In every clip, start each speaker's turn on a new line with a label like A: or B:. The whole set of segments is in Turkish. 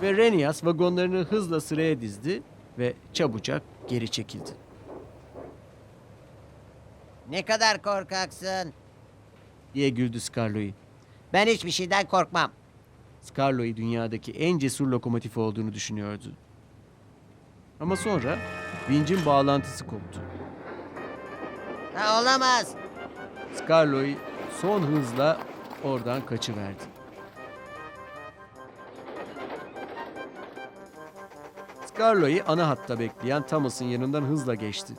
A: Ve Renias vagonlarını hızla sıraya dizdi ve çabucak geri çekildi.
B: Ne kadar korkaksın.
A: Diye güldü Skarloey.
B: Ben hiçbir şeyden korkmam.
A: Skarloey dünyadaki en cesur lokomotif olduğunu düşünüyordu. Ama sonra vincin bağlantısı koptu.
B: Ha, olamaz.
A: Skarloey son hızla oradan kaçıverdi. Skarloey ana hatta bekleyen Thomas'ın yanından hızla geçti.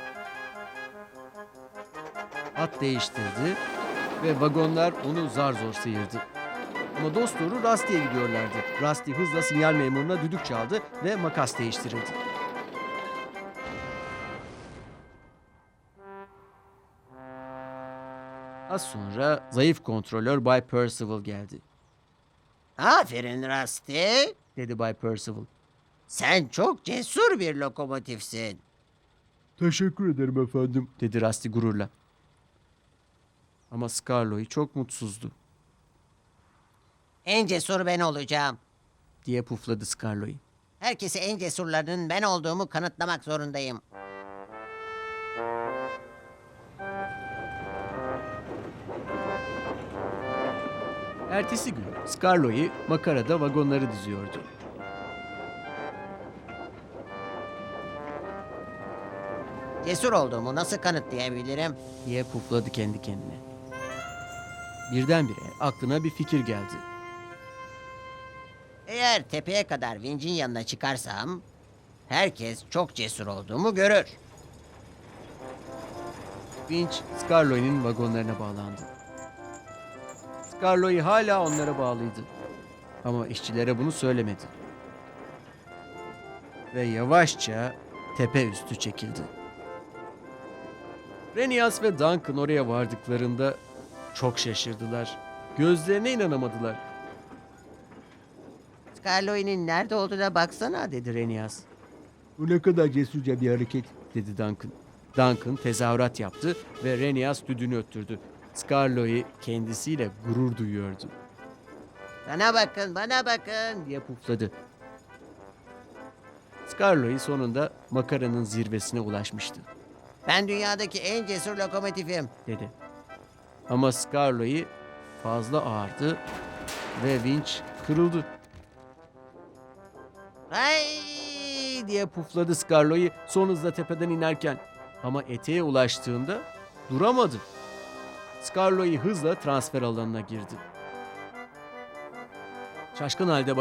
A: Hat değiştirdi ve vagonlar onu zar zor sıyırdı. Ama dosdoğru Rusty'ye gidiyorlardı. Rusty hızla sinyal memuruna düdük çaldı ve makas değiştirildi. Az sonra zayıf kontrolör Bay Percival geldi.
B: Aferin Rusty.
A: Dedi Bay Percival.
B: Sen çok cesur bir lokomotifsin.
A: Teşekkür ederim efendim, dedi Rusty gururla. Ama Skarloey çok mutsuzdu,
B: En cesur ben olacağım.
A: diye pufladı Skarloey.
B: Herkese en cesurlarının ben olduğumu kanıtlamak zorundayım.
A: Ertesi gün Skarloey makarada vagonları diziyordu.
B: Cesur olduğumu nasıl kanıtlayabilirim?
A: Diye pufladı kendi kendine. Birdenbire aklına bir fikir geldi.
B: Eğer tepeye kadar vincin yanına çıkarsam, herkes çok cesur olduğumu görür.
A: Vinç Skarloey'nin vagonlarına bağlandı. Skarloey hala onlara bağlıydı. Ama işçilere bunu söylemedi. Ve yavaşça tepe üstü çekildi. Renias ve Duncan oraya vardıklarında çok şaşırdılar. Gözlerine inanamadılar.
B: Skarloey'nin nerede olduğuna baksana dedi.
A: Dedi Renias. Bu ne kadar cesurca bir hareket, dedi Duncan. Duncan tezahürat yaptı ve Renias düdüğünü öttürdü. Skarloey kendisiyle gurur duyuyordu,
B: Bana bakın, bana bakın.
A: diye pufladı. Skarloey sonunda makaranın zirvesine ulaşmıştı,
B: Ben dünyadaki en cesur lokomotifim.
A: dedi. Ama Skarloey fazla ağırdı ve vinç kırıldı.
B: Ay!
A: Diye pufladı Skarloey son hızla tepeden inerken. Ama eteğe ulaştığında duramadı. Skarloey hızla transfer alanına girdi. Şaşkın halde